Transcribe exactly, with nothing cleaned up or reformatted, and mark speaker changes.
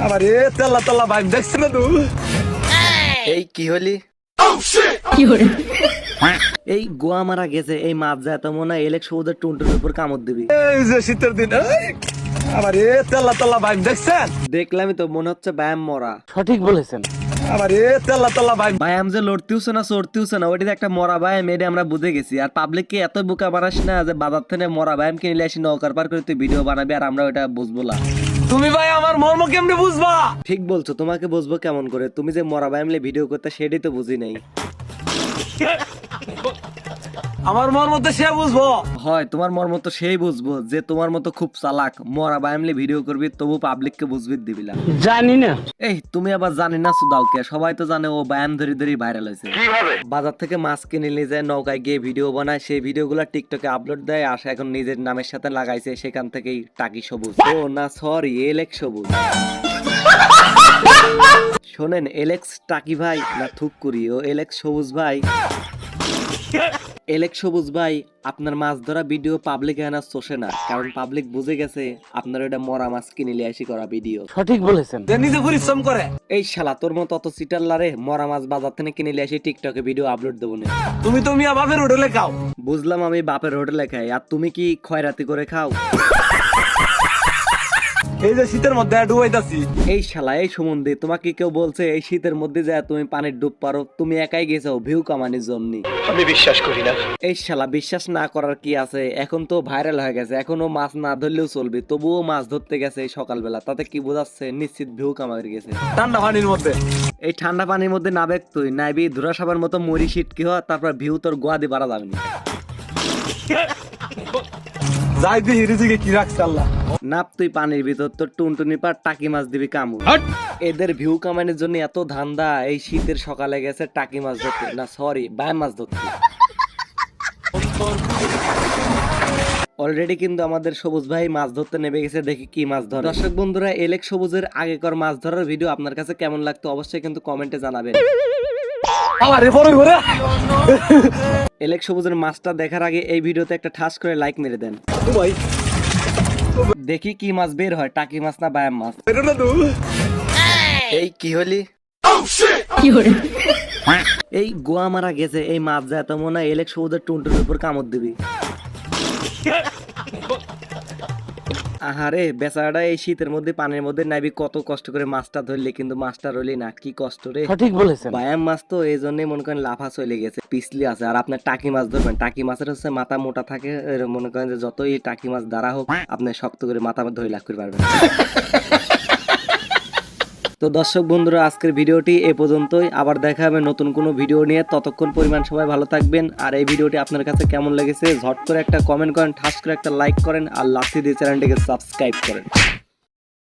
Speaker 1: আরে তেলা তেলা ভাই দেখছ না তুই?
Speaker 2: এই কি হলি?
Speaker 3: কি হরে
Speaker 2: এই গোয়া মারা গেছে, এই মাছ যায় তো মনে হয় এলেক সবুজের টুনটুনের উপর কামড় দিবি।
Speaker 1: এই যে শীতের দিন আরে তেলা তেলা ভাই দেখছেন?
Speaker 2: দেখলামই তো, মনে হচ্ছে ব্যায়াম মরা।
Speaker 4: সঠিক বলেছেন।
Speaker 1: আরে তেলা তেলা ভাই
Speaker 2: ব্যায়াম যে লড়তেওছে না চড়তেওছে না, ওইটা একটা মরা ব্যায়াম, এটা আমরা বুঝে গেছি। আর পাবলিককে এত বোকা বানাস না যে বাজার থেকে মরা ব্যায়াম কিনে আসি নৌকার পার করে তুই ভিডিও বানাবি আর আমরা ওইটা বুঝবো না।
Speaker 1: তুমি ভাই আমার মর্ম কেমনে বুঝবা?
Speaker 2: ঠিক বলছো, তোমাকে বুঝবো কেমন করে? তুমি যে মরা ব্যায়াম নিয়ে ভিডিও করতে সেটাই তো বুঝি নাই।
Speaker 1: আমার মর্ম তো সে বুঝবো।
Speaker 2: হয় তোমার মর্ম তো সেই বুঝবো যে তোমার মতো খুব চালাক, মরা ব্যায়াম নিয়ে ভিডিও করবি তবু পাবলিককে বুঝবি দিবি না।
Speaker 4: জানি না।
Speaker 2: এই তুমি আবার জানি না সুদাউকে, সবাই তো জানে ও ব্যায়াম ধরে ধরে ভাইরাল হয়েছে। বাজার থেকে মাছ কিনে নিয়ে যায়, নৌকায় গিয়ে ভিডিও বানায়, সেই ভিডিওগুলো টিকটকে আপলোড দেয়, আসে এখন নিজের নামের সাথে লাগাইছে, সেখান থেকেই টাকি সবুজ। ও না সরি, এলেক্স সবুজ। শোনেন, এলেক্স টাকি ভাই না থুককুরি, ও এলেক্স সবুজ ভাই। এলেক্স সবুজ ভাই, আপনার মাছ ধরা ভিডিও পাবলিক এনা চষে না, কারণ পাবলিক বুঝে গেছে আপনার ওটা মরা মাছ কিনে নিয়ে আসি করা ভিডিও।
Speaker 4: সঠিক বলেছেন।
Speaker 1: যে নিজে পরিশ্রম করে।
Speaker 2: এই শালা তোর মতো অত সিটার লারে মরা মাছ বাজার থেকে কিনে নিয়ে আসি টিকটকে ভিডিও আপলোড দেবো না।
Speaker 1: তুমি তো মিয়া বাপের হোটেলে খাও।
Speaker 2: বুঝলাম আমি বাপের হোটেলে খাই, আর তুমি কি খয়রাতি করে খাও?
Speaker 1: এই যে শীতের মধ্যে ডুবাইতাছি।
Speaker 2: এই শালা এই সম্বন্ধে তোমাকে কেউ বলছে এই শীতের মধ্যে যায় তুমি পানির ডুব পারো? তুমি একাই গেছো ভিউ কামানোর জন্য।
Speaker 4: আমি বিশ্বাস করি না।
Speaker 2: এই শালা বিশ্বাস না করার কি আছে? এখন তো ভাইরাল হয়ে গেছে, এখনো মাছ না ধরলেও চলবে, তবুও মাছ ধরতে গেছে এই সকালবেলা, তাতে কি বোঝাচ্ছে? নিশ্চিত ভিউ কামাই গেছে
Speaker 1: ঠান্ডা পানির মধ্যে।
Speaker 2: এই ঠান্ডা পানির মধ্যে নাবেক তুই নাইবি ধুরা সাবার মতো মরি শীত কি হয়, তারপর ভিউ তোর গোয়া দিয়ে বাড়া যাবে না।
Speaker 1: যাই দি হিরিজিকে কি রাখছে আল্লাহ।
Speaker 2: নাপ তুই পানির ভিতর, তোর টুনটুনি পার টাকি মাছ দিবি কামু। এদের ভিউ কামানোর জন্য এত ধান্দা, এই শীতের সকালে গেছে টাকি মাছ ধরতে, না সরি বায় মাছ ধরতে। অলরেডি কিন্তু আমাদের সবুজ ভাই মাছ ধরতে নেমে গেছে, দেখি কি মাছ ধরে। দর্শক বন্ধুরা, এলেক সবুজের আগেকার মাছ ধরার ভিডিও আপনার কাছে কেমন লাগতো অবশ্যই কিন্তু কমেন্টে জানাবেন।
Speaker 1: আরে বড় করে
Speaker 2: এলেক সবুজের মাছটা দেখার আগে এই ভিডিওতে একটা ঠাস করে লাইক মেরে দেন।
Speaker 1: ভাই
Speaker 2: দেখি কি মাছ বের হয়, টাকি মাছ না বায়াম মাছ।
Speaker 1: এটা না তুই?
Speaker 2: এই কি হলি?
Speaker 3: কি হরে
Speaker 2: এই গোয়া মারা গেছে, এই মাছ যায় তো মনে হয় এলেক সবুজের টুনটুনের উপর কামড় দিবি। আহারে বেচারাটা এই শীতের মধ্যে পানির মধ্যে নাইবি কত কষ্ট করে মাছটা ধরলে, কিন্তু মাছটা রইলি না, কি কষ্ট রে।
Speaker 4: সঠিক বলেছেন।
Speaker 2: বায়াম মাছ তো এই জন্যই মনে করেন লাফা চলে গেছে, পিছলি আছে। আর আপনার টাকি মাছ ধরবেন, টাকি মাছের হচ্ছে মাথা মোটা থাকে, এর মনে করেন যে যতই টাকি মাছ দ্বারা হোক আপনি শক্ত করে মাথা ধরে লাভ করে পারবেন। তো দর্শক বন্ধুরা, আজকের ভিডিওটি এ পর্যন্তই, আবার দেখা হবে নতুন কোনো ভিডিও নিয়ে। ততক্ষণ পরিমাণ সবাই ভালো থাকবেন। আর এই ভিডিওটি আপনার কাছে কেমন লেগেছে ঝট করে একটা কমেন্ট করেন, ঠাস করে একটা লাইক করেন, আর লাথি দিয়ে চ্যানেলটিকে সাবস্ক্রাইব করেন।